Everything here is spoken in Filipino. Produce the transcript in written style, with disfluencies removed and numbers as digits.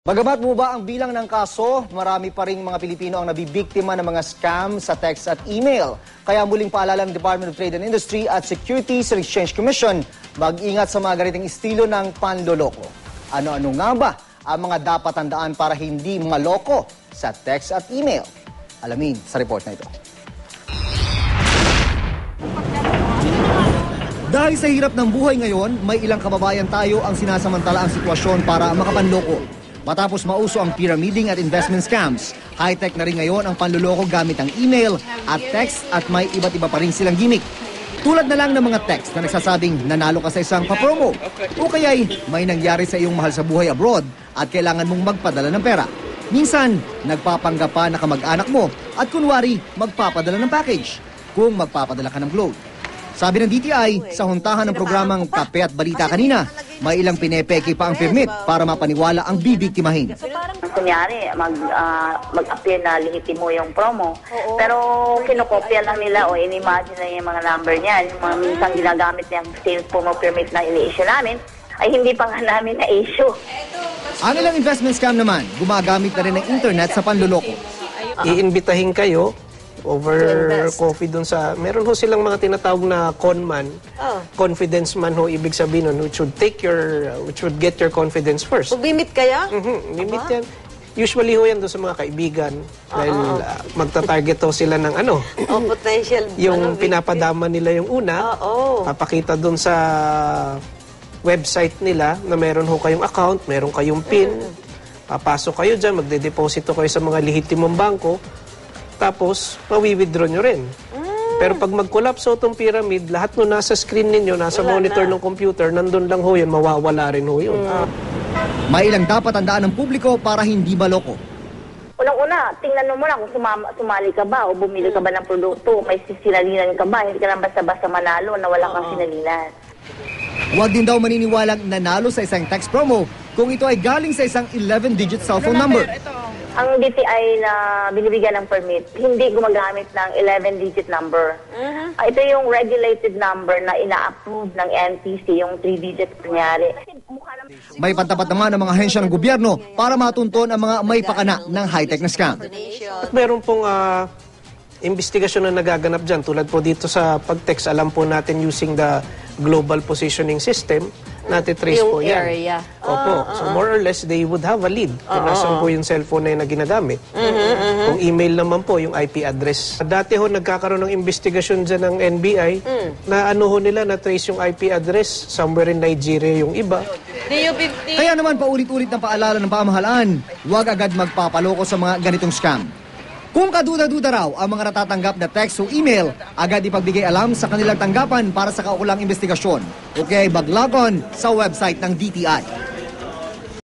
Bagamat bumaba ang bilang ng kaso, marami pa ring mga Pilipino ang nabibiktima ng mga scam sa text at email. Kaya muling paalala ng Department of Trade and Industry at Securities and Exchange Commission, mag-ingat sa mga ganitong estilo ng panloloko. Ano-ano nga ba ang mga dapat tandaan para hindi maloko sa text at email? Alamin sa report na ito. Dahil sa hirap ng buhay ngayon, may ilang kababayan tayo ang sinasamantala ang sitwasyon para makapanloko. Matapos mauso ang pyramiding at investment scams, high-tech na rin ngayon ang panluloko gamit ang email at text at may iba't iba pa rin silang gimmick. Tulad na lang ng mga text na nagsasabing nanalo ka sa isang papromo o kaya'y may nangyari sa iyong mahal sa buhay abroad at kailangan mong magpadala ng pera. Minsan, nagpapanggap pa na kamag-anak mo at kunwari magpapadala ng package kung magpapadala ka ng clothes. Sabi ng DTI, sa huntahan ng programang Kape at Balita kanina, may ilang pinepeke pa ang permit para mapaniwala ang bibiktimahin. Kunyari, mag-appear na lihitin mo yung promo, pero kinokopya lang nila o in-imagine na yung mga number niyan. Yung mga minsan ginagamit niyang sales promo permit na ini-issue namin, ay hindi pa nga namin na-issue. Ang ilang investment scam naman, gumagamit na rin ng internet sa panluloko. Iimbitahin kayo over coffee dun sa, meron ho silang mga tinatawag na conman, confidence man ho, ibig sabihin nun, which would get your confidence first. Mag-limit kaya? Limit yan. Usually ho yan doon sa mga kaibigan, dahil magta-target ho sila ng ano, potential. Yung pinapadama nila yung una, papakita dun sa website nila na meron ho kayong account, meron kayong PIN, papasok kayo dyan, magde-deposito kayo sa mga lehitimong bangko, tapos, mawi-withdraw nyo rin. Pero pag mag-collapse ho itong pyramid, lahat no nasa screen ninyo, nasa monitor ng computer, nandun lang ho yun, mawawala rin ho yun. May ilang dapat tandaan ng publiko para hindi maloko. Unang-una, tingnan mo lang kung sumali ka ba o bumili ka ba ng produkto, may sinalinan ka ba, hindi ka lang basta-basta manalo na wala kang sinalinan. Huwag din daw maniniwalang nanalo sa isang text promo kung ito ay galing sa isang 11-digit cellphone number. Ang DTI na binibigyan ng permit, hindi gumagamit ng 11-digit number. Ito yung regulated number na ina-approve ng NTC, yung 3-digit kunyari. May pantapat naman ang mga ahensya ng gobyerno para matunton ang mga may pakana ng high-tech na scam. Meron pong investigasyon na nagaganap dyan. Tulad po dito sa pag-text, alam po natin using the global positioning system, nati-trace po yan. Area. Opo. So more or less, they would have a lead kung nasan po yung cellphone na ginagamit. Kung email naman po, yung IP address. Dati ho, nagkakaroon ng investigasyon dyan ng NBI na ano ho nila, na-trace yung IP address somewhere in Nigeria yung iba. Kaya naman paulit-ulit na paalala ng pamahalaan, huwag agad magpapaloko sa mga ganitong scam. Kung kaduda-duda raw ang mga natatanggap na text o email, agad ipagbigay alam sa kanilang tanggapan para sa kaukulang investigasyon. Okay, mag-log on sa website ng DTI.